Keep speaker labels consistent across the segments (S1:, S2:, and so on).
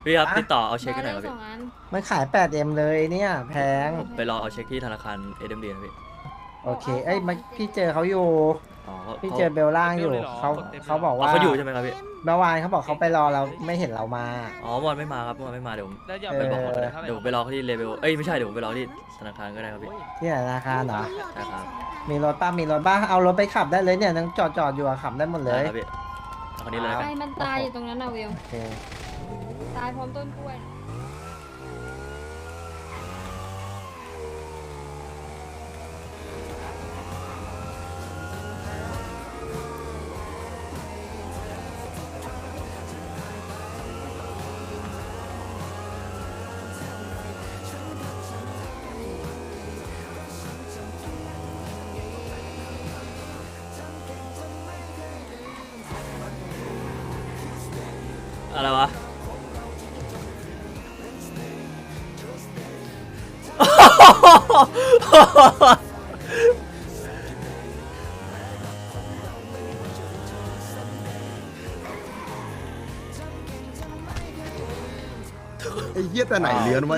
S1: พี่ครับ
S2: อะ
S1: ติดต่อเอาเช็คกันหน่อยครับพี่
S2: มันขาย 8M เลยเนี่ยแพง
S1: ผมไปรอเอาเช็คที่ธนาคารเอ็มดีนะพี่
S2: โอเคเอ้ยมันพี่เจอเขาอยู่
S1: อ๋อ
S2: พี่
S1: เขา
S2: เจอเบลล่างอยู่เขาบอกว่า
S1: เขาอยู่ใช่ไหมครับพี่
S2: เมื่อวานเขาบอกเขาไปรอเราไม่เห็นเรามา
S1: อ๋อเมื่อวานไม่มาครับเมื่อวานไม่มาเดี๋ยวผม
S3: แล้วอย่า
S2: เอ
S3: ไป
S2: อ
S3: บอกเขาเลย
S1: เดี๋ยวผมไปรอเขาที่เลเวลเอ้ยไม่ใช่เดี๋ยวผมไปรอที่ธนาคารก็ได้ครับพี่
S2: ที่ไหนธนาคารเหรอ
S1: ใช่ครับ
S2: มีรถป้ามีรถบ้าเอารถไปขับได้เลยเนี่ยยังจอดอยู่อะขับได้หมดเล
S1: ได้
S2: ย
S1: ครับพี่เอาคนนี้เลยแล้ว
S4: ใค
S1: กั
S4: ร
S1: น
S4: มันตายอยู่ตรงนั้นน่ะวิว
S2: โอเค
S4: ตายพร้อมต้นกล้วย
S1: อะไรวะ
S5: ไอ้เหี้ยแต่ไหนเลือนไว้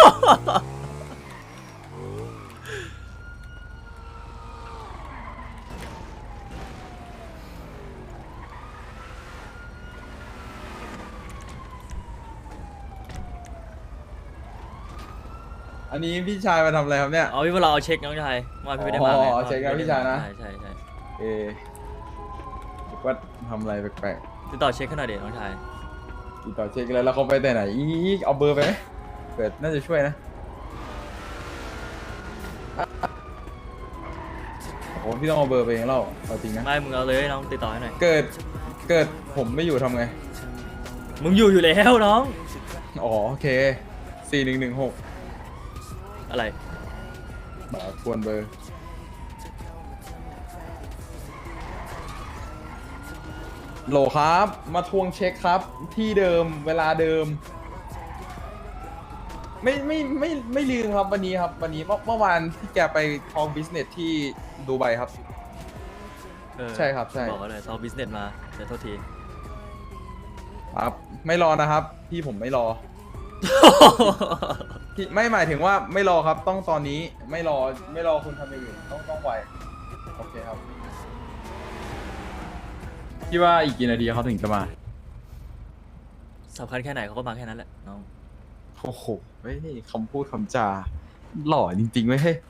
S6: อันนี้พี่ชายมาทำอะไรครับเนี่ย
S1: เอาพี่มาเราเอาเช็คน้องชายเมื่อวานพี่ไม่ได้มาไง
S6: อ๋อเช็คครับพี่ชายนะ
S1: ใช่ใช่ใช่
S6: เอคิดว่าทำอะไรแปลก
S1: ติดต่อเช็คให้หน่อยเดี๋ยวน้องชาย
S6: ๆติดต่อเช็คแล้วเขาไปแต่ไหนอีกเอาเบอร์ไปไหมเกิดน่าจะช่วยนะโอ้พี่ต้องเอาเบอร์ไปเองเล่าเอาจริงนะ
S1: ไม่มึงเอาเลยน้องติดต่อให้หน่อย
S6: เกิดผมไม่อยู่ทำไง
S1: มึงอยู่แล้วน้อง
S6: อ๋อโอเค4116
S1: อะไร
S6: ทวนเบอร์โหลครับมาทวงเช็คครับที่เดิมเวลาเดิม ไม่ลืมครับวันนี้ครับวันนี้เมื่อวานที่แกไปทองบิสเนสที่ดูไบครับ
S1: เออ
S6: ใช่ครับใช่
S1: บอกเขาเลยซอฟบิสเนสมาเดี๋ยวโทษที
S6: ครับไม่รอนะครับ พี่ผมไม่รอพี่ไม่หมายถึงว่าไม่รอครับต้องตอนนี้ไม่รอคุณทำอย่างอื่นต้องไวโอเคครับพี่ว่าอีกกี่นาทีเขาถึงจะมา
S1: สำคัญแค่ไหนเขาก็มาแค่นั้นแหละน้อง
S6: โอ้โหเฮ้ยคำพูดคำจาหล่อจริงๆเว้ยเฮ้ย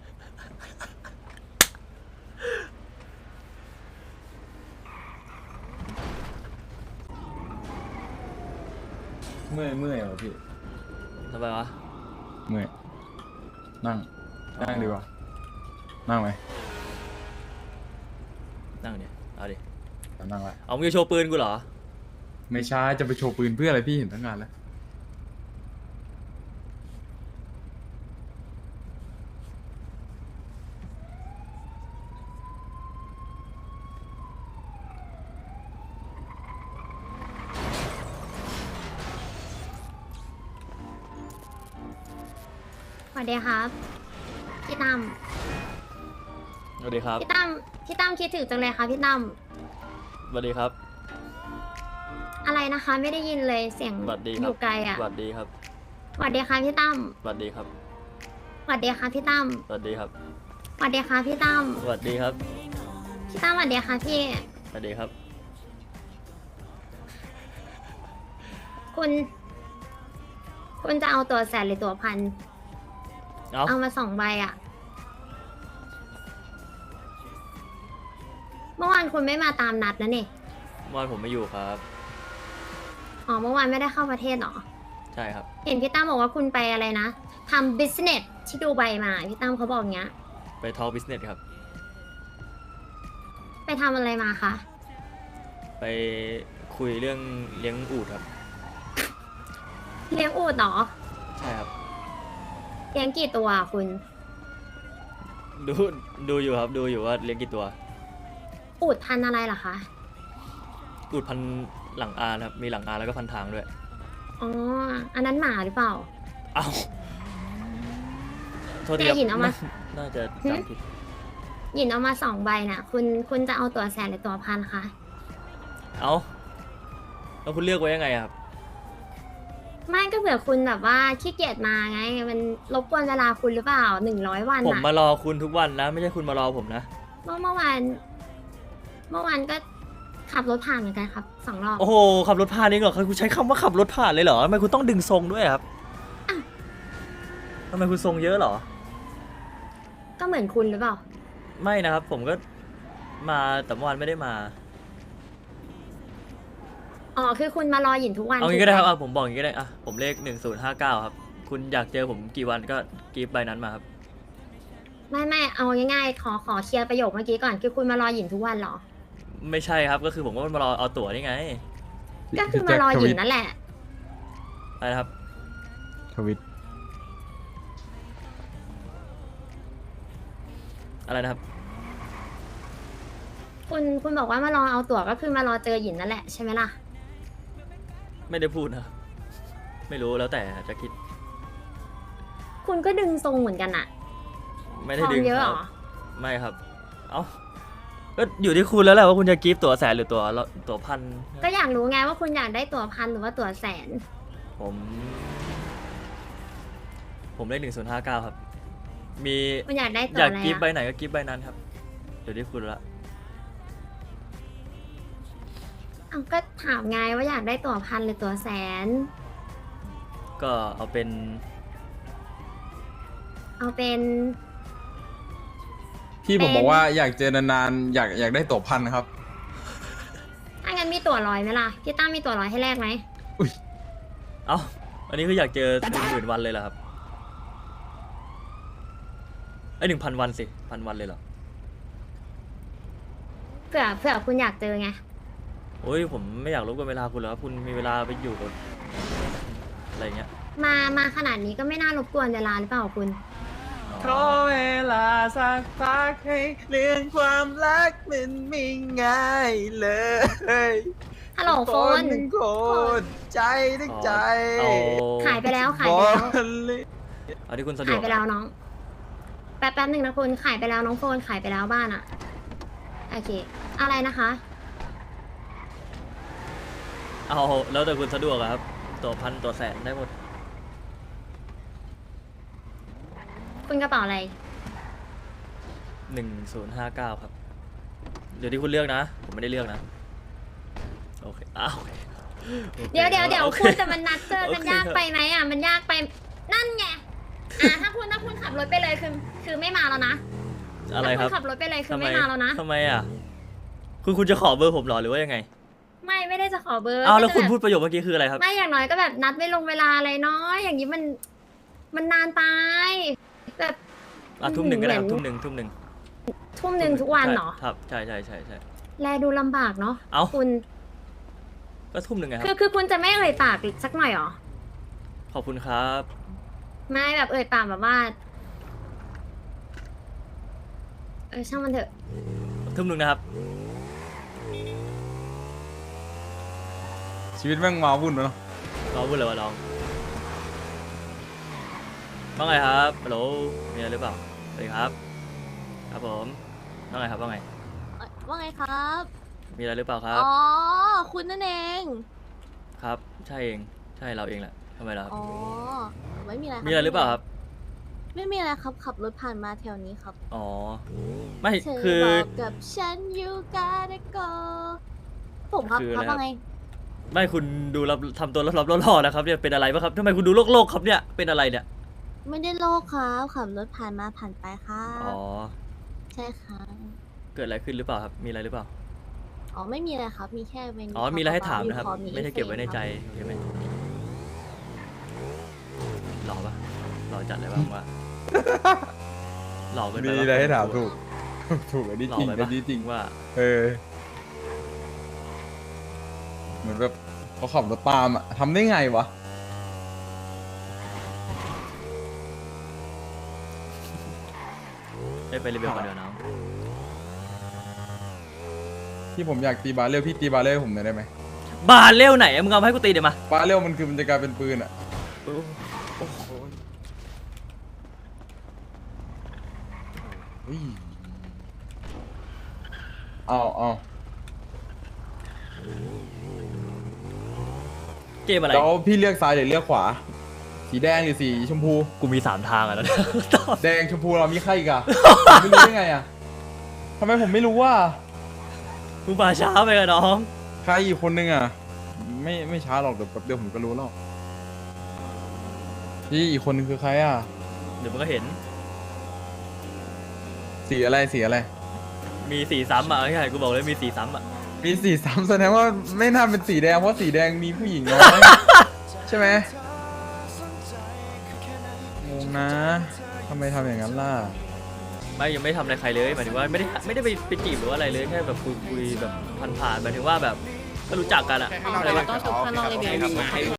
S6: เมื่อยเหรอพี่
S1: ทำไมวะ
S6: เมื่อยนั่งดีกว่านั่งไหม
S1: นั่งเนี่ยเอาดิ
S6: นั่งละ
S1: เอามึงจะโชว์ปืนกูเหรอ
S6: ไม่ใช่จะไปโชว์ปืนเพื่ออะไรพี่เห็นตั้งงานแล้ว
S7: สวัสดีครับพี่ตั้ม
S1: สวัสดีครับ
S7: พี่ตั้มคิดถึงจังเลยค่ะพี่ตั้ม
S1: สวัสดีครับ
S7: อะไรนะคะ ไม่ได้ยินเลยเสียง
S1: สวัสดีค
S7: อ
S1: รับ
S7: ยู่ไกลอ่ะ
S1: สวัสดีครับ
S7: สวัสดีค่ะพี่ตั้ม
S1: สวัสดีครับ
S7: สวัสดีค่ะพี่ตั้ม
S1: สวัสดีครับ
S7: สวัสดีค่ะพี่ตั้ม
S1: สวัสดีครับ
S7: พี่ตั้มสวัสดีค่ะพี่
S1: สวัสดีครับ
S7: คุณจะเอาตัวแสนหรือตัวพัน
S1: เอา
S7: เอามา2 ใบอ่ะเมื่อวานคุณไม่มาตามนัดนะนี่
S1: เมื่อวานผมไม่อยู่ครับ
S7: อ๋อเมื่อวานไม่ได้เข้าประเทศเหรอ
S1: ใช่ครับ
S7: เห็นพี่ตั้มบอกว่าคุณไปอะไรนะทำ business ที่ดูไบมาพี่ตั้มเขาบอกอย่างเงี้ย
S1: ไปทอล์กบิสเนสครับ
S7: ไปทำอะไรมาคะ
S1: ไปคุยเรื่องเลี้ยงอูฐครับ
S7: เลี้ยงอูฐเหรอ
S1: ใช่ครับ
S7: เลี้ยงกี่ตัวอะคุณ
S1: ดูอยู่ครับ ดูอยู่ว่าเลี้ยงกี่ตัว
S7: อูฐพันธุ์อะไรเหรอคะ
S1: อูฐพันหลังอานครับ มีหลังอานแล้วก็พันทางด้วย
S7: อ๋อ อันนั้นหมาหรือเปล่า
S1: เอ้าโทษทีค
S7: แต่
S1: รับ
S7: หินเอามา
S1: น่าจะจำผิด
S7: หยินเอามา2 ใบน่ะ คุณจะเอาตัวแสนหรือตัวพันคะ
S1: เอาแล้วคุณเลือกไว้ยังไงอะครับ
S7: ไม่ก็เผื่อคุณแบบว่าขี้เกียจมาไง มันรบกวนเวลาคุณหรือเปล่า100 วัน
S1: ผม
S7: อะ
S1: มารอคุณทุกวันนะ ไม่ใช่คุณมารอผมนะ
S7: เมื่อวานก็ขับรถผ่านเหมือนกันครับ2 รอบ
S1: โอ้โหขับรถผ่านเองเหรอคุณใช้คำว่าขับรถผ่านเลยเหรอทำไมคุณต้องดึงทรงด้วยครับทำไมคุณทรงเยอะเหรอ
S7: ก็เหมือนคุณหรือเปล่า
S1: ไม่นะครับ ผมก็มาแต่เมื่อวานไม่ได้มา
S7: อ๋อคือคุณมารอหยินทุกวัน
S1: เอางี้ก็ได้ครับ
S7: ถูหม
S1: ผมบอกอย่างงี้ก็ได้อ่ะผมเลข1059ครับคุณอยากเจอผมกี่วันก็กีบใบนั้นมาครับ
S7: ไม่เอาง่ายๆขอเคลียร์ประโยคเมื่อกี้ก่อนคือคุณมารอหยินทุกวันเหรอ
S1: ไม่ใช่ครับก็คือผมก็มารอเอาตั๋วนี่ไง
S7: ก็คือมารอหยินนั่นแหละ
S1: อะไรนะครับ
S5: ทวิต
S1: อะไรนะครับ
S7: คุณบอกว่ามารอเอาตั๋วก็คือมารอเจอหยินนั่นแหละใช่ไหมล่ะ
S1: ไม่ได้พูดนะครับไม่รู้แล้วแต่จะคิด
S7: คุณก็ดึงทรงเหมือนกันอะ
S1: ไม่ได้
S7: ทอง
S1: ดึง
S7: เยอะ
S1: ค
S7: เหร
S1: รับ
S7: อ
S1: ไม่ครับ เอ้าก็อยู่ที่คุณแล้วแหละว่าคุณจะกีฟตั๋วแสนหรือตั๋วพัน
S7: ก็อยากรู้ไงว่าคุณอยากได้ตั๋ว1,000หรือว่าตั๋วแสน
S1: ผมเลข1059ครับ มี
S7: คุณอยากได้ตั๋
S1: อ
S7: วย
S1: าก
S7: อะไร
S1: กีฟใบ
S7: อะ
S1: ไหนก็กีฟใบนั้นครับอยู่ที่คุณละ
S7: อ้าวก็ถามไงว่าอยากได้ตั๋ว1,000หรือตั๋วแสน
S1: ก็เอาเป็น
S6: พี่ผมบอกว่าอยากเจอนานๆอยากได้ตั๋วพันครับ
S7: ถ้างั้นมีตั๋ว100ไหมล่ะ พี่ตั้มมีตั๋ว100ให้แลกไหม
S1: เอ้าอันนี้คืออยากเจอ10,000 วันเลยเหรอครับไอ้1,000 วันสิ1,000 วันเลยเหรอ
S7: เผื่อคุณอยากเจอไง
S1: โอ้ยผมไม่อยากรบกวนเวลาคุณหรอกครับคุณมีเวลาไปอยู่กับอะไรอย่างเงี้ย
S7: มาขนาดนี้ก็ไม่น่ารบกวนเวลาหรือเปล่าคุณ
S6: ขอเวลาสักพักให้เรื่องความรักมันไม่ง่ายเลย
S7: ฮัลโหลโฟน
S6: หนึ่งคนใจทั้งใจ
S1: เอา
S7: ขายไปแล้ว
S1: เอาที่คุณสะดว
S7: ขาก ยไปแล้วน้อง แป๊บหนึ่งนะคุณขายไปแล้วน้องโฟนขายไปแล้วบ้านอะโอเค อะไรนะคะ
S1: เอาแล้วแต่คุณสะดวกอะครับตั๋วพันตั๋วแสนได้หมด
S7: คุณกระเป๋าอะไร
S1: 1059ครับเดี๋ยวที่คุณเลือกนะผมไม่ได้เลือกนะโอเคอ้าวโอเค
S7: เดี๋ยว
S1: โอเค
S7: คุณแต่มันนัดเจอกัน
S1: โอเค
S7: ยากไปไหมอ่ะมันยากไปนั่นไงถ้าคุณขับรถไปเลยคือไม่มาแล้วนะ
S1: อะไรครับ
S7: ถ้าคุณขับรถไปเลยคือไม่มาแล้วนะ
S1: ทำไมอ่ะคุณจะขอเบอร์ผมเหรอหรือว่ายังไง
S7: ไม่ได้จะขอเบอร์
S1: อ้าวแล้วคุณ
S7: ก็จะ
S1: พูดประโยคเมื่อกี้คืออะไรครับ
S7: ไม่อย่างน้อยก็แบบนัดไม่ลงเวลาอะไรน้อยอย่างนี้มันนานไปแบบ
S1: ทุ่มหนึ่งก็ได้ครับ
S7: เหมื
S1: ทุ่
S7: อน
S1: มหนึ่ง
S7: ทุ่มหนึ่งทุกวันเหรอ
S1: ครับใช่
S7: แลดูลำบากเนาะ
S1: เอ้า
S7: คุณ
S1: ก็ทุ่มหนึ่งไงครับ
S7: คือคุณจะไม่เอ่ยปากสักหน่อยเหรอ
S1: ขอบคุณครับ
S7: ไม่แบบเอ่ยปากแบบว่าช่างมันเถอะ
S1: ทุ่มหนึ่งนะครับ
S6: ชีวิตแม่งมาวุ่นเนาะ
S1: น้องพูดเลยว่าน้องว่าไงครับฮัลโหลมีอะไรหรือเปล่าสวัสดีครับครับผมว่าไงครับว่าไง
S3: ว่าไงครับ
S1: มีอะไรหรือเปล่าครับ
S3: อ๋อ คุณนั่นเอง
S1: ครับใช่เองใช่เราเองแหละทำไมล่ะครับ
S3: อ๋อ ไม่มีอะไรคบ
S1: มีอะไรหรือเปล่าครับ
S3: ไม่มีอะไรครับ ขับรถผ่านมาแถวนี้ครับ
S1: อ๋อไม่
S3: เธอ
S1: คือ
S3: บอกกับฉันอยู่กาเดโกผมครับ
S1: คือ
S3: ครับ
S1: อะไรครับ
S3: ว่าไง
S1: ไม่คุณดูรับทำตัวรับๆล่อๆนะครับเนี่ยเป็นอะไรปะครับทำไมคุณดูโลกครับเนี่ยเป็นอะไรเนี่ย
S3: ไม่ได้โลกครับ ขับรถผ่านมาผ่านไปครับ
S1: อ๋อ
S3: ใช่ครับ
S1: เกิดอะไรขึ้นหรือเปล่าครับมีอะไรหรือเปล่า
S3: อ๋อ ไม่มีอะไรครับ มีแค่เมนู
S1: อ๋อมีอะไรให้ถาม
S3: เบ
S1: นะครับ
S3: พอ
S1: ไม่ใช่เก็บไว้ในใจ
S3: เอฟ
S1: โอเคไหมหล่อปะหล่อจัดเลยบ้างว่าหล่อเกินไป
S6: มี
S1: ปะ
S6: อะไรให้ถามถูก ถูกอันนี้
S1: หล่
S6: จ
S1: อ
S6: ริง
S1: ไป
S6: อั
S1: ปะ
S6: นนี้จริง
S1: ว่า
S6: เออ เหมือนแบบเขาขับรถตามอ่ะทำได้ไงวะ
S1: ได้ไปรีวิวกันเดี๋ยวน้อง
S6: ที่ผมอยากตีบาเรลพี่ตีบาเรลผมหน่อยได้ไหม
S1: บาเร็วไหนอะมึงเอามาให้กูตีเดี๋ยวมา
S6: บาเรลมันคือมันจะกลายเป็นปืนอ่ะ
S1: โอ้โห
S6: เฮ้ยเอา
S1: เกมอะไร
S8: แล้วพี่เลือกซ้ายหรือเลือกขวา สีแดงหรือสีชมพู
S1: กูมี3 ทางอ่ะนะ ตอบ
S8: แดงชมพูเรามีใครอีกอะ ผมไม่รู้ได้ไงอะทำไมผมไม่รู้ว่า
S1: มึงมาช้าไปกับน้อง
S8: ใครอีกคนนึงอะไม่ช้าหรอกเดี๋ยวแป๊บเดียวผมก็รู้แล้วพี่อีกคนนึงคือใครอะ
S1: เดี๋ยวมึงก็เห็น
S8: สีอะไรสีอะไร
S1: มีสีซ้ำอ่ะใช่กูบอกเลยมีสีซ้ำอ่ะ
S8: มีสีซ้ำแสดงว่าไม่น่าเป็นสีแดงเพราะสีแดงมีผู้หญิงน้อย ใช่ไหมงงนะทำไมทำอย่างนั้นล่ะ
S1: ไม่ยังไม่ทำอะไรใครเลยหมายถึงว่าไม่ได้ไปจีบหรือว่าอะไรเลยแค่แบบคุยแบบผ่านๆหมายถึงว่าแบบก็รู้จักกันอะอะไร
S3: ต้องชุบข้างนอกเลยเบล